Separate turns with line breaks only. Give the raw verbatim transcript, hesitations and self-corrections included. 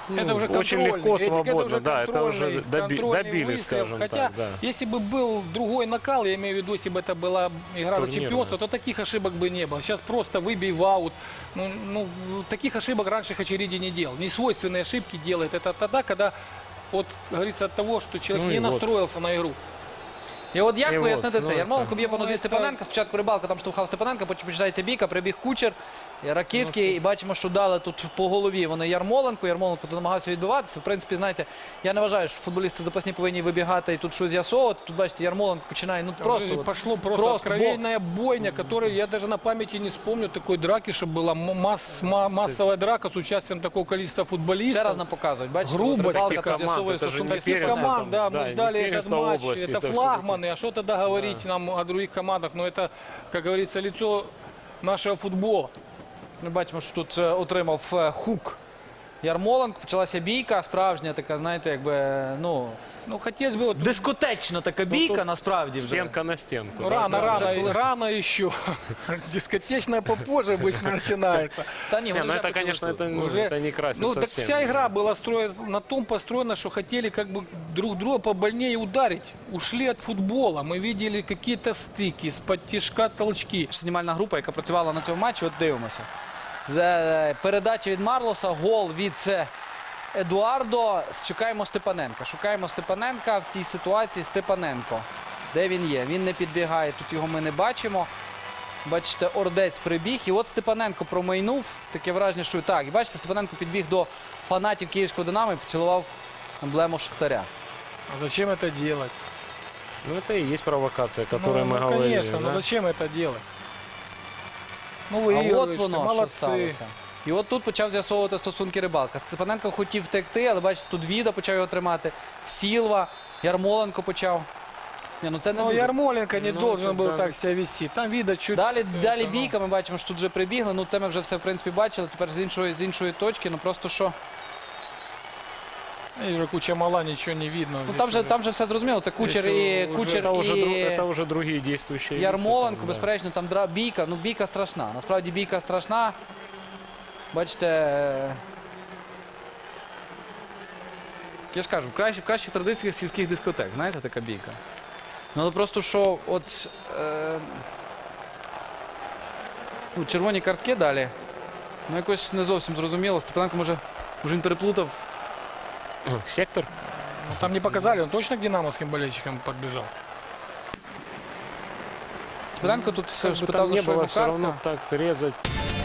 Это уже
очень
контрольный,
легко,
Эдик,
свободно,
это уже
да, это уже
контрольный-
доби-
контрольный
добили,
выстрел.
скажем
Хотя,
так, да.
если бы был другой накал, я имею в виду, если бы это была игра за
Турнирная.
чемпионство, то таких ошибок бы не было. Сейчас просто выбей в аут. Ну, ну, таких ошибок раньше Хачериди не делал. Несвойственные ошибки делает. Это тогда, когда, вот, говорится, от того, что человек
Ну
не
и вот.
настроился на игру.
І от як
І
пояснити
от,
це?
ну,
Ярмоленко
так.
б'є по
Ну,
нозі
це-
Степаненка, спочатку Рибалка там штовхав Степаненка, потім починається бійка, прибіг Кучер, і Ракицький, і бачимо, що дали тут по голові вони Ярмоленко. Ярмоленко тут намагався відбиватися. В принципі, знаєте, я не вважаю, що футболісти запасні повинні вибігати і тут щось з'ясовувати. Тут, бачите, Ярмоленко починає, ну просто...
И
от,
пошло просто,
просто
откровенная бойня, которая я даже на памяти не вспомню такой драки, чтобы была м- масс- ма- массовая драка с участием такого количества футболистов.
Ще раз нам показують, бачите,
Грубость
от Рибалка
таких
тут
команд,
з'ясовує
це ж
стосунки
не
з
первенство
Степаненком.
команд, да,
да,
мы
и
ждали
не
этот
первенство
матч,
области,
это
это
флагманы, а что тогда говорить нам о других командах, но это, как говорится, лицо нашего футбола.
Ми бачимо, що тут е, отримав е, хук Ярмоленко. Почалася бійка, справжня така, знаєте, якби, ну,
Ну, хотелось бы, вот,
дискотечна така бійка,
тут
насправді вже.
Стенка на стенку.
ну,
да,
рано,
да.
рано,
уже было.
рано еще. Дискотечная попозже обычно начинается.
Та ні,
Не,
вони
ну
вже
это, конечно,
почали
это, ну,
Уже-
это не красит
Ну, так
совсем.
вся игра была строена, на том построена, что хотели как бы друг друга побольнее ударить. Ушли от футбола. Мы видели какие-то стыки, с-под тишка толчки.
Знімальна група, яка працювала на цьому матчі, от дивимося. З е, передачі від Марлоса, гол від е, Едуардо. Чекаємо Степаненка. Шукаємо Степаненка в цій ситуації. Степаненко. Де він є? Він не підбігає, тут його ми не бачимо. Бачите, Ордець прибіг. І от Степаненко промайнув. Таке враження, що так. І бачите, Степаненко підбіг до фанатів Київського Динамо і поцілував емблему Шахтаря.
А зачем это делать?
Ну, это и есть провокация, о которой
ну,
мы
ну,
говорили.
конечно,
да?
но зачем это делать? Ну,
А
выигрываешь,
от
ты,
воно, що
молодцы.
сталося. І от тут почав з'ясовувати стосунки Рибалка. Степаненко хотів втекти, але бачите, тут Віда почав його тримати. Сілва, Ярмоленко почав. Ні, ну це не
Но
дуже.
Ярмоленко не
Ну,
должен
это
был
да.
так себя вести. Там видно чуть...
Далі,
это,
далі
ну,
бійка, ми бачимо, що тут вже прибігли. Ну це ми вже все, в принципі, бачили. Тепер з іншої, з іншої точки, ну просто що.
И уже куча мала, ничего не видно.
Ну
Здесь
там же,
уже-
там же все зрозуміло. Це Кучер
Здесь
і,
уже-
Кучер
Это уже, дру-
і
это уже другие действующие лица
Ярмоленко,
там, да.
безперечно, там дра... бійка. Ну бійка страшна. Насправді бійка страшна. Бачите. е, Я ж кажу, в кращих, в кращих традиціях сільських дискотек, знаєте, така бійка. Ну але просто що, от е... ну, червоні картки далі. Ну якось не зовсім зрозуміло. Степаненко може, може він переплутав.
Сектор?
Ну, там не показали, он точно к динамовским болельщикам подбежал.
Степаненко тут
Как бы
спитав,
там
за
не
що
было,
йому
все равно
картка.
так резать.